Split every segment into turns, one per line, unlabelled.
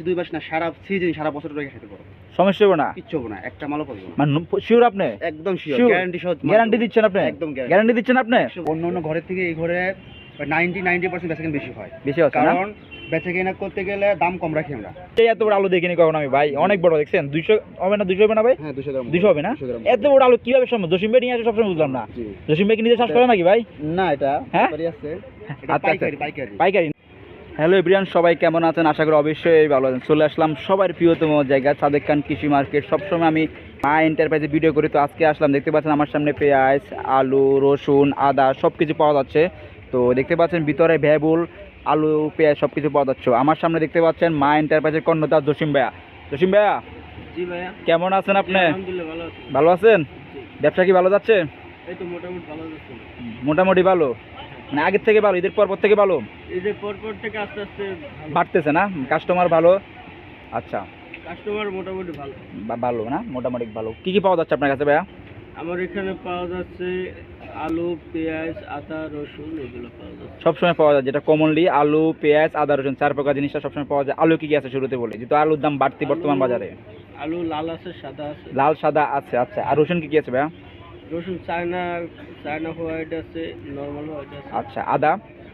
2 মাস না, সারা সিজন সারা বছর ধরে খেতে পারো।
সমস্যা হবে না,
কিচ্ছু হবে না, একটা মালও পাবো না।
মানে শিওর আপনি?
একদম শিওর,
Sure?
গ্যারান্টি সহ।
গ্যারান্টি দিচ্ছেন আপনি?
একদম
গ্যারান্টি দিচ্ছেন আপনি?
অন্য অন্য ঘরের থেকে এই ঘরে 90% বেচাকেনা বেশি হয়।
বেশি হচ্ছে না?
কারণ বেচাকেনা করতে গেলে দাম কম রাখি আমরা।
এই এত বড় আলু দেখিনি কখনো আমি ভাই, অনেক বড় দেখছেন। 200 হবে না? 200 হবে না ভাই?
হ্যাঁ 200 গ্রাম।
200 হবে না?
200 গ্রাম।
এত বড় আলু কিভাবে সম্ভব? জসিম ভাই নিয়ে আসে সবসময় বুঝলাম না।
জি।
জসিম ভাই কি নিজে চাষ করে নাকি ভাই?
না, এটা
হ্যাঁ?
ব্যাপারই আছে। এটা
আচ্ছা,
পাইকারি পাইকারি।
পাইকারি। হ্যালো এভরিওয়ান, সবাই কেমন আছেন? আশা করি অবশ্যই ভালো আছেন। চলে আসলাম সবার প্রিয়তম জায়গা সাদেক খান কৃষি মার্কেট। সবসময় আমি মা এন্টারপ্রাইজে ভিডিও করি, তো আজকে আসলাম। দেখতে পাচ্ছেন আমার সামনে পেঁয়াজ, আলু, রসুন, আদা সব কিছু পাওয়া যাচ্ছে। তো দেখতে পাচ্ছেন ভিতরে ভেবুল, আলু, পেঁয়াজ সব কিছু পাওয়া যাচ্ছে। আমার সামনে দেখতে পাচ্ছেন মা এন্টারপ্রাইজের কর্ণধার জসিম ভাইয়া। জসিম ভাইয়া,
জি ভাইয়া।
কেমন আছেন আপনি?
আলহামদুলিল্লাহ ভালো আছি।
ভালো আছেন?
জি।
ব্যবসা কি ভালো যাচ্ছে?
এই তো মোটামুটি ভালো যাচ্ছে।
মোটামুটি ভালো, মানে আগের থেকে ভালো, ঈদের পর থেকে ভালো
ঈদের পর থেকে আস্তে আস্তে
বাড়তেছে না? কাস্টমার ভালো? আচ্ছা,
কাস্টমার মোটামুটি ভালো।
ভালো না? মোটামুটি ভালো। কি কি পাওয়া যাচ্ছে আপনার কাছে ভাইয়া?
আমার এখানে পাওয়া যাচ্ছে আলু, পেঁয়াজ, আদা, রসুন, এগুলো পাওয়া যাচ্ছে।
সবসময় পাওয়া যায় যেটা কমনলি আলু, পেঁয়াজ, আদা, রসুন, 4 প্রকার জিনিসটা সবসময় পাওয়া যায়। আলু কি কি আছে শুরুতে বলি, যেহেতু আলুর দাম বাড়তি বর্তমান বাজারে।
আলু লাল আছে, সাদা আছে।
লাল, সাদা আছে। আচ্ছা, আর রসুন কি কি আছে ভাইয়া?
রসুন চায়না হোয়াইট আছে, নরমাল হোয়াইট আছে।
আচ্ছা, আদা?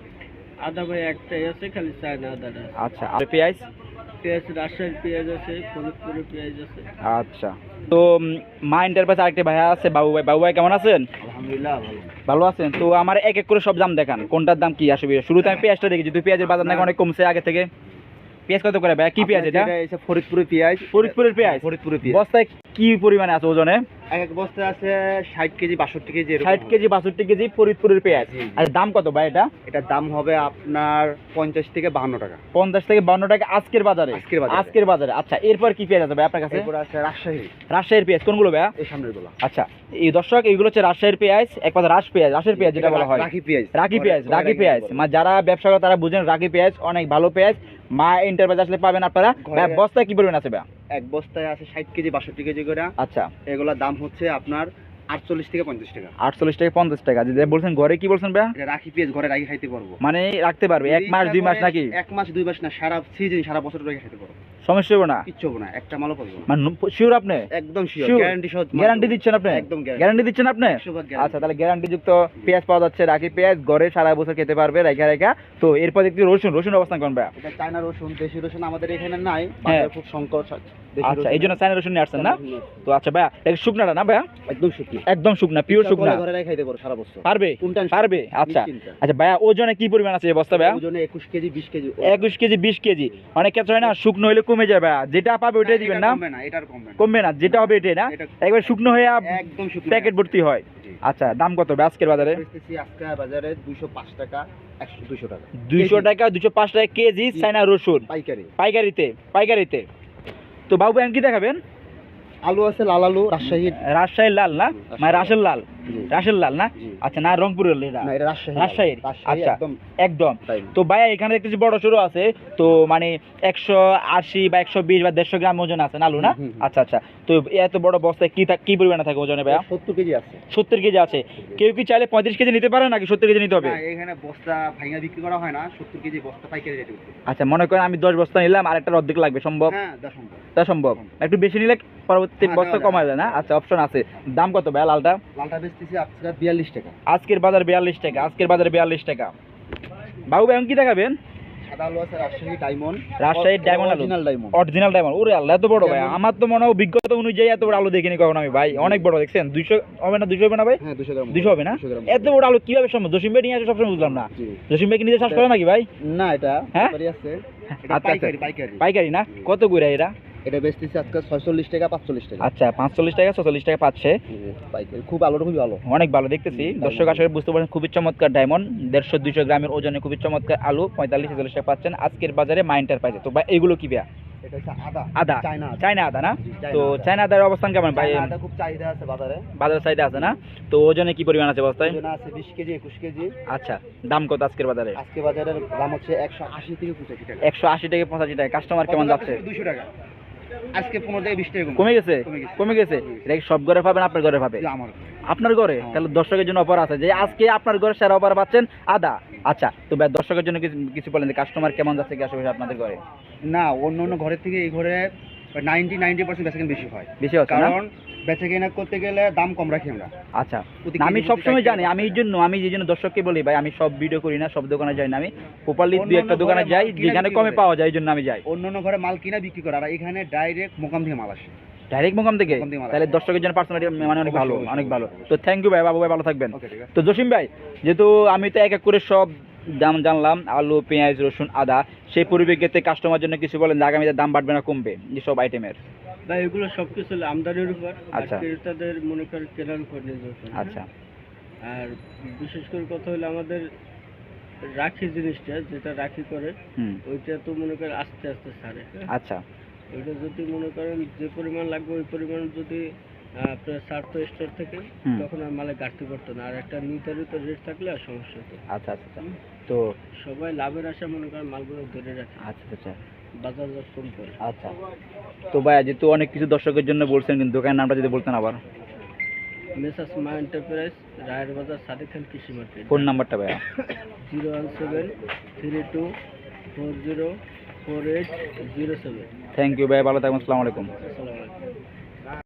আদা ভাই একটাই আছে, খালি চায়না আদাটা।
আচ্ছা, আর পেঁয়াজ?
পেঁয়াজ রাজশাহীর পেঁয়াজ আছে, ফরিদপুরের পেঁয়াজ আছে।
আচ্ছা, তো মা এন্টারপ্রাইজ আরেকটা ভাইয়া আছে, বাবু ভাই। বাবু ভাই কেমন আছেন?
আলহামদুলিল্লাহ ভালো।
ভালো আছেন? তো আমার এক এক করে সব দাম দেখান, কোনটার দাম কি আসবে। শুরুতে আমি পেঁয়াজটা দেখি, যেহেতু পেঁয়াজের বাজার নাকি অনেক কমছে আগে থেকে। পেঁয়াজ কত করে ভাইয়া? কি পেঁয়াজ এটা?
এটা ফরিদপুরের পেঁয়াজ।
ফরিদপুরের পেঁয়াজ?
ফরিদপুরের পেঁয়াজ।
বস্তায় কি পরিমাণে আছে ওজনে?
এক এক বস্তা আছে 60 কেজি 62 কেজি এরকম।
60 কেজি 62 কেজি ফরিদপুরের পেঁয়াজ।
জি, জি।
আর দাম কত ভাই এটা?
এটার দাম হবে আপনার 50 থেকে 52 টাকা।
50 থেকে 52 টাকা আজকের বাজারে?
আজকের বাজারে।
আজকের বাজারে। আচ্ছা, এরপর কি পেঁয়াজ আছে ভাই আপনার কাছে?
এরপর আছে রাজশাহী।
রাজশাহীর পেঁয়াজ কোনগুলো ভাইয়া?
এই সামনের গুলো।
আচ্ছা, এই দর্শক এইগুলো হচ্ছে রাজশাহীর পেঁয়াজ, এক কথা রাজের পেঁয়াজ যেটা বলা হয়।
রাখি পেঁয়াজ।
রাখি পেঁয়াজ। মানে যারা ব্যবসা করে তারা বুঝেন রাখি পেঁয়াজ অনেক ভালো পেঁয়াজ। মা এন্টারপ্রাইজ আসলে পাবেন আপনারা। ভাই বস্তায় কি পরিমাণ আছে ভাইয়া?
এক বস্তায় আছে 60 কেজি 62 কেজি করে।
আচ্ছা,
এগুলোর দাম হচ্ছে আপনার 48 থেকে 50 টাকা।
48 থেকে 50 টাকা। যদি বলছেন ঘরে কি বলছেন ভাইয়া?
এটা রাখি পেঁয়াজ ঘরে রাখি খাইতে পারবো।
মানে রাখতে পারবে 1 মাস 2 মাস নাকি?
1 মাস 2 মাস না, সারা সিজন সারা বছর ধরে খাইতে পারবো।
সমস্যা হবে না,
কিচ্ছু হবে না, একটা মালও পাবো না।
মানে শিওর আপনি?
একদম শিওর,
Sure?
গ্যারান্টি সহ।
গ্যারান্টি দিচ্ছেন আপনি?
একদম
গ্যারান্টি দিচ্ছেন আপনি?
100% guarantee।
আচ্ছা, তাহলে গ্যারান্টি যুক্ত পেঁয়াজ পাওয়া যাচ্ছে, রাখি পেঁয়াজ ঘরে সারা বছর খেতে পারবে রেখা। তো এরপর দেখছি রসুন অবস্থান কোন ভাইয়া?
এটা চায়না রসুন, দেশি রসুন আমাদের এখানে নাই,
হ্যাঁ।
বাজারে খুব সংকট।
আচ্ছা, এই জন্য চায়না রসুন নিয়ে আসছেন না? তো আচ্ছা ভাইয়া, এটা শুকনাটা না ভাইয়া?
একদম শুকনো।
একদম শুকনা, পিওর শুকনা।
ঘরে রাখি খাইতে পারবো সারা বছর।
পারবে?
কোনটা?
পারবে। আচ্ছা
নিশ্চিন্তে।
আচ্ছা ভাইয়া, ওজনে কি পরিমাণ আছে এই বস্তা ভাইয়া?
ওজনে 21 কেজি 20 কেজি।
21 KG 20 KG. অনেক ক্ষেত্রে হয় না শুকনো হলে কমে যায় ভাইয়া, যেটা পাবে ওইটাই দিবেন না?
কমবে না, এটার কমবে না।
কমবে না, যেটা হবে এটাই না?
এটা-
একবার শুকনো হয়ে
একদম শুকনো।
প্যাকেট ভর্তি হয়।
জি।
আচ্ছা, দাম কত ভাই আজকের বাজারে?
বেচতেছি আজকে বাজারে 205 টাকা, 200 টাকা।
200 টাকা 205 টাকা কেজি চায়না রসুন
পাইকারি।
পাইকারিতে। তো বাবু এখন কি দেখাবেন?
আলু আছে লাল আলু,
রাজশাহীর লাল না? মানে রাসের লাল?
জি।
রাসের লাল না?
জি।
আচ্ছা, না রংপুরের এটা?
না, এটা রাজশাহী।
রাজশাহীর? আচ্ছা,
একদম
একদম।
তাই।
তো ভাইয়া এখানে দেখতেছি বড় সরু আছে, তো মানে 180 বা 120 বা 150 গ্রাম ওজন আছে না আলু না?
হুম, হুম।
আচ্ছা আচ্ছা, তো এত বড় বস্তায় কি পরিমাণে থাকে ওজনে ভাইয়া?
70 কেজি আছে।
70 কেজি আছে। কেউ কি চাইলে 35 কেজি নিতে পারে নাকি 70 কেজি নিতে হবে?
না, এখানে বস্তা ভাঙা বিক্রি করা হয় না, 70 কেজি বস্তা পাইকারি রেটে বিক্রি।
আচ্ছা, মনে করেন আমি 10 বস্তা নিলাম, আর একটা অর্ধেক লাগবে, সম্ভব?
হ্যাঁ, দা সম্ভব।
তা সম্ভব। একটু বেশি নিলে পরবর্তী
হ্যাঁ,
বস্তা
দেওয়া
কমায় যায় না? আচ্ছা, অপশন আছে। দাম কত ভাইয়া লালটা?
লালটা বেচতেছি আজকে 42 টাকা।
আজকের বাজার 42 টাকা। আজকের বাজারে 42 টাকা। বাবু ভাই এখন কি দেখাবেন?
সাদা আলু আছে রাজশাহী ডায়মন্ড।
রাজশাহীর ডায়মন্ড আলু?
Original diamond.
Original diamond. ওরে আল্লাহ, এত বড় ভাই!
যেমন-
আমার তো মনে হয় অভিজ্ঞতা অনুযায়ী এত বড় আলু দেখিনি কখনো আমি ভাই। অনেক বড় দেখছেন। 200 হবে না? 200 হবে না ভাই?
হ্যাঁ 200 গ্রাম।
200 হবে না?
200 গ্রাম।
এত বড় আলু কিভাবে সম্ভব? জসিম ভাই নিয়ে আসে সবসময় বুঝলাম না।
জি।
জসিম ভাই কি নিজে চাষ করে নাকি ভাই?
না, এটা
হ্যাঁ?
ব্যাপারই আছে। এটা
আচ্ছা,
পাইকারি পাইকারি।
পাইকারি না? কত করে এরা?
এটা বেচতেছি আজকে 46 টাকা 45 টাকা।
আচ্ছা, 45 টাকা 46 টাকা পাচ্ছে।
পাইকারি খুব আলুটা খুবই ভালো।
অনেক ভালো দেখতেছি। দর্শক আসলে বুঝতে পারছেন, খুবই চমৎকার ডায়মন্ড। 150-200 গ্রামের ওজনে খুবই চমৎকার আলু 45-46 টাকা পাচ্ছেন আজকের বাজারে মা এন্টারপ্রাইজে। তো ভাই এগুলো কি ভাইয়া?
এটা হচ্ছে আদা।
আদা?
চায়না আদা।
চায়না আদা না?
জি, চায়না
তো
আদা।
চায়না আদার অবস্থান কেমন ভাই?
চায়না আদা খুব চাহিদা আছে বাজারে।
বাজার সাইডে আছে না? তো ওজনে কি পরিমাণ আছে বস্তায়?
ওজন আছে 20 কেজি 21 কেজি।
আচ্ছা, দাম কত আজকের বাজারে?
আজকে বাজারের দাম হচ্ছে 180 থেকে 85 টাকা।
180 থেকে 85 টাকা। কাস্টমার কেমন যাচ্ছে?
200 টাকা।
আজকে 15 থেকে 20 টাকা
কমে গেছে
কমে গেছে।
কমে গেছে এটা কি সব ঘরে পাবেন আপনার ঘরে পাবে
আমার
আপনার ঘরে
হ্যাঁ।
তাহলে দর্শকের জন্য অফার আছে যে আজকে আপনার ঘরে সেরা অফার পাচ্ছেন আদা আচ্ছা তো ভাই দর্শকের জন্য কিছু কিছু বলেন যে কাস্টমার কেমন যাচ্ছে কি আসলে আপনাদের ঘরে
না অন্য অন্য ঘরের থেকে এই ঘরে 90% বেচাকেনা বেশি হয়,
বেশি হচ্ছে না
কারণ বেচাকেনা করতে গেলে দাম কম রাখি আমরা।
আচ্ছা
প্রতি
না, আমি
কেজি প্রতি
সবসময়
60
জানি
টাকা।
আমি এই জন্য দর্শককে বলি ভাই আমি সব ভিডিও করি না সব দোকানে যাই না আমি প্রপারলি
অন্য
দুই একটা
অন্য
দোকানে
ঘরে
যাই
মাল কিনে
যেখানে
বিক্রি
কমে
করে।
পাওয়া যায় এই জন্য আমি যাই
অন্য অন্য ঘরে মাল কিনা বিক্রি করে, আর এখানে ডাইরেক্ট মোকাম থেকে মাল আসে।
ডাইরেক্ট মোকাম থেকে
মোকাম থেকে মাল
তাহলে দর্শকের জন্য পার্সোনালি মানে অনেক ভালো
অবশ্যই,
অনেক
অবশ্যই।
ভালো তো থ্যাংক ইউ ভাই বাবু ভাই ভালো থাকবেন
ওকে ঠিক আছে।
তো জসিম ভাই যেহেতু আমি তো এক এক করে সব দাম জানলাম আলু পেঁয়াজ রসুন আদা সেই পরিপ্রেক্ষিতে কাস্টমার জন্য কিছু বলেন যে আগামীতে দাম বাড়বে না কমবে যে সব আইটেমের
ভাই এগুলো সবকিছু হলো আমদানির উপর আর
আচ্ছা।
ক্রেতাদের মনে করেন কেনার উপর নির্ভর করে।
আচ্ছা
আর বিশেষ করে কথা হলো আমাদের রাখি জিনিসটা যেটা রাখি করে
হুম
ওইটা তো মনে করেন আস্তে আস্তে ছাড়ে, হ্যাঁ?
আচ্ছা
ওইটা যদি মনে করেন যে পরিমাণ লাগবে ওই পরিমাণ যদি আপনার ছাড়তো স্টোর থেকে
হুম।
তখন আর মালে ঘাটতি পড়তো না, আর একটা নির্ধারিত রেট থাকলে আর সমস্যা হতো না।
আচ্ছা আচ্ছা আচ্ছা। তো
সবাই লাভের আশা মনে করেন মালগুলো ধরে রাখে,
আচ্ছা আচ্ছা
বাজার দর কম করে।
আচ্ছা তো ভাই যেহেতু অনেক কিছু দর্শকের জন্য বলছেন কিন্তু দোকানের নামটা যদি বলতেন আবার
মেসাস মা এন্টারপ্রাইজ রায়ের বাজার সাদেক খান কৃষি মার্কেট,
ফোন নাম্বারটা ভাইয়া
01732404807।
থ্যাংক ইউ ভাই ভালো থাকবেন আসসালামু আলাইকুম
আসসালামু আলাইকুম।